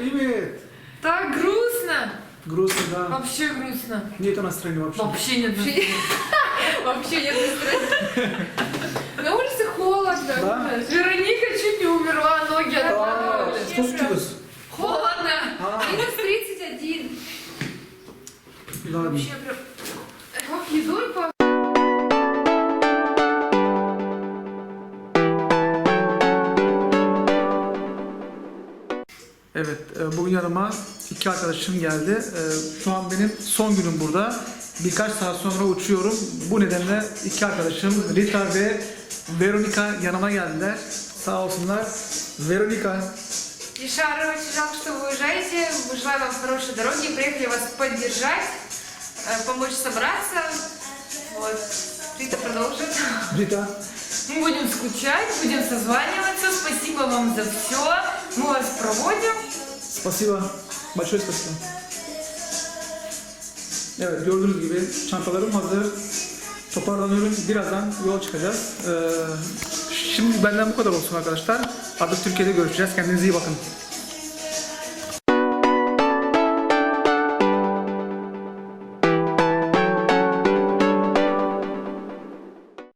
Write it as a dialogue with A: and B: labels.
A: Привет!
B: Так грустно.
A: Грустно, да.
B: Вообще грустно.
A: Нет настроения вообще.
B: Вообще нет настроения. Вообще нет настроения. На улице холодно.
A: Да?
B: Вероника чуть не умерла, ноги отваливались.
A: Что случилось?
B: Холодно.
A: А.
B: Минус 31.
A: Ладно.
B: Вообще прям... Как едой по...
A: Evet, bugün yanıma iki arkadaşım geldi. Şu an benim son günüm burada. Birkaç saat sonra uçuyorum. Bu nedenle iki arkadaşım Rita ve Veronika yanıma geldiler. Sağ olsunlar. Veronika,
B: Ишара, очень жалко, что вы уезжаете. Мы желаем вам хорошей дороги. Приехали вас поддержать, помочь собраться. Вот. Рита продолжит.
A: Rita,
B: Мы будем скучать, будем созваниваться. Спасибо вам за все. Мы вас проводим.
A: spasiba. Большое spasiba. Evet, gördüğünüz gibi çantalarım hazır. Toparlanıyorum. Birazdan yol çıkacağız. Şimdi benden bu kadar olsun arkadaşlar. Artık Türkiye'de görüşeceğiz. Kendinize iyi bakın.